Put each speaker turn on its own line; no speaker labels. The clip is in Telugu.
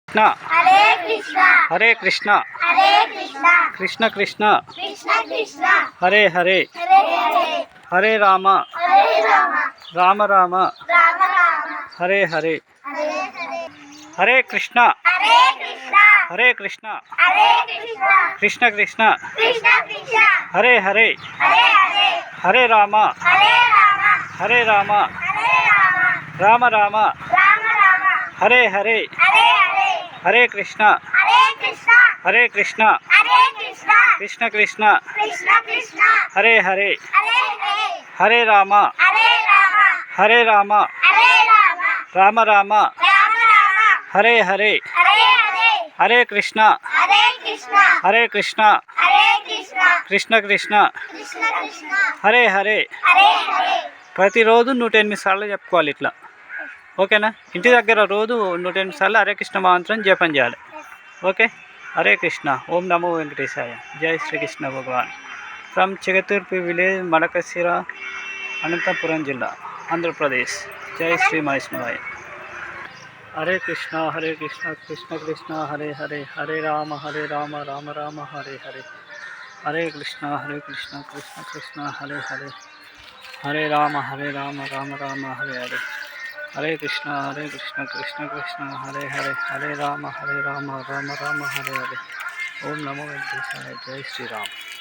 कृष्ण
हरे कृष्ण
कृष्ण कृष्ण
कृष्ण कृष्ण
हरे हरे
हरे हरे
हरे राम राम राम
राम
हरे हरे
हरे हरे
हरे कृष्ण
हरे कृष्ण
हरे कृष्ण
हरे कृष्ण
कृष्ण कृष्ण
कृष्ण कृष्ण
हरे हरे
हरे हरे
हरे राम
हरे राम
राम राम
राम
हरे हरे
हरे हरे
हरे कृष्ण
हरे कृष्ण
हरे कृष्ण
हरे कृष्ण
कृष्ण कृष्ण
कृष्ण कृष्ण
हरे हरे
हरे हरे
हरे राम
हरे राम
राम राम
राम
हरे हरे
हरे हरे
हरे कृष्ण
हरे कृष्ण
हरे कृष्ण
हरे कृष्ण
कृष्ण कृष्ण
कृष्ण कृष्ण
హరే హరే
हरे हरे
ప్రతిరోజు 108 సార్లు చెప్పుకోవాలి ఇట్లా. ఓకేనా? ఇంటి దగ్గర రోజు 108 సార్లు హరే కృష్ణ మంత్రం జపం చేయాలి. ఓకే. హరే కృష్ణ. ఓం నమో వెంకటేశాయ. జై శ్రీకృష్ణ భగవాన్. ఫ్రమ్ చిగతూర్పి విలేజ్, మడకశిర, అనంతపురం జిల్లా, ఆంధ్రప్రదేశ్. జై శ్రీ వైష్ణవాయ. హరే కృష్ణ కృష్ణ కృష్ణ హరే హరే హరే రామ రామ రామ హరే హరే హరే కృష్ణ కృష్ణ కృష్ణ హరే హరే హరే రామ రామ రామ హరే హరే హరే కృష్ణ కృష్ణ కృష్ణ హరే హరే హరే రామ రామ రామ రామ హరే హరే ఓం నమో వెంకటేశాయ. జై శ్రీరామ్.